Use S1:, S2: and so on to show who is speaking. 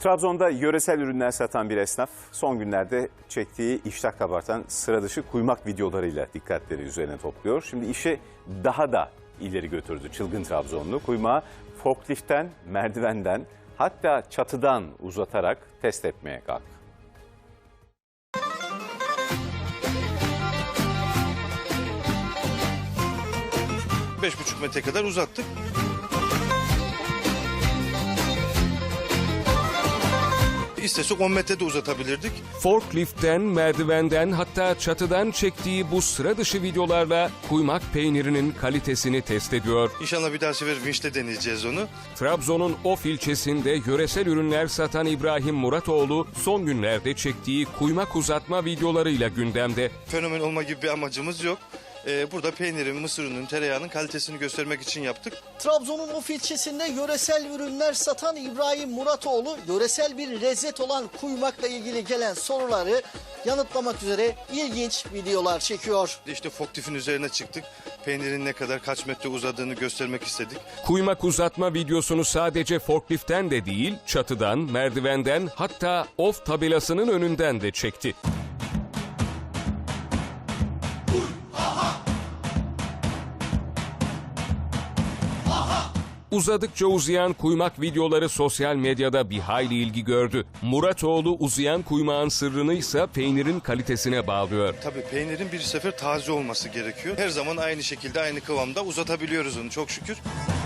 S1: Trabzon'da yöresel ürünler satan bir esnaf son günlerde çektiği iştah kabartan sıra dışı kuymak videolarıyla dikkatleri üzerine topluyor. Şimdi işi daha da ileri götürdü çılgın Trabzonlu. Kuymağı forkliftten, merdivenden hatta çatıdan uzatarak test etmeye kalktı.
S2: 5,5 metre kadar uzattık. İstesek 10 metre de uzatabilirdik.
S3: Forkliftten, merdivenden hatta çatıdan çektiği bu sıra dışı videolarla kuymak peynirinin kalitesini test ediyor.
S2: İnşallah bir daha sefer vinçle deneyeceğiz onu.
S3: Trabzon'un Of ilçesinde yöresel ürünler satan İbrahim Muratoğlu son günlerde çektiği kuymak uzatma videolarıyla gündemde.
S2: Fenomen olma gibi bir amacımız yok. Burada peynirin, mısır ununun, tereyağının kalitesini göstermek için yaptık.
S4: Trabzon'un Of ilçesinde yöresel ürünler satan İbrahim Muratoğlu, yöresel bir lezzet olan kuymakla ilgili gelen soruları yanıtlamak üzere ilginç videolar çekiyor.
S2: İşte forklifin üzerine çıktık. Peynirin ne kadar, kaç metre uzadığını göstermek istedik.
S3: Kuymak uzatma videosunu sadece forkliften de değil, çatıdan, merdivenden hatta Of tabelasının önünden de çekti. Uzadıkça uzayan kuymak videoları sosyal medyada bir hayli ilgi gördü. Muratoğlu uzayan kuymağın sırrını ise peynirin kalitesine bağlıyor.
S2: Tabii peynirin bir sefer taze olması gerekiyor. Her zaman aynı şekilde, aynı kıvamda uzatabiliyoruz onu çok şükür.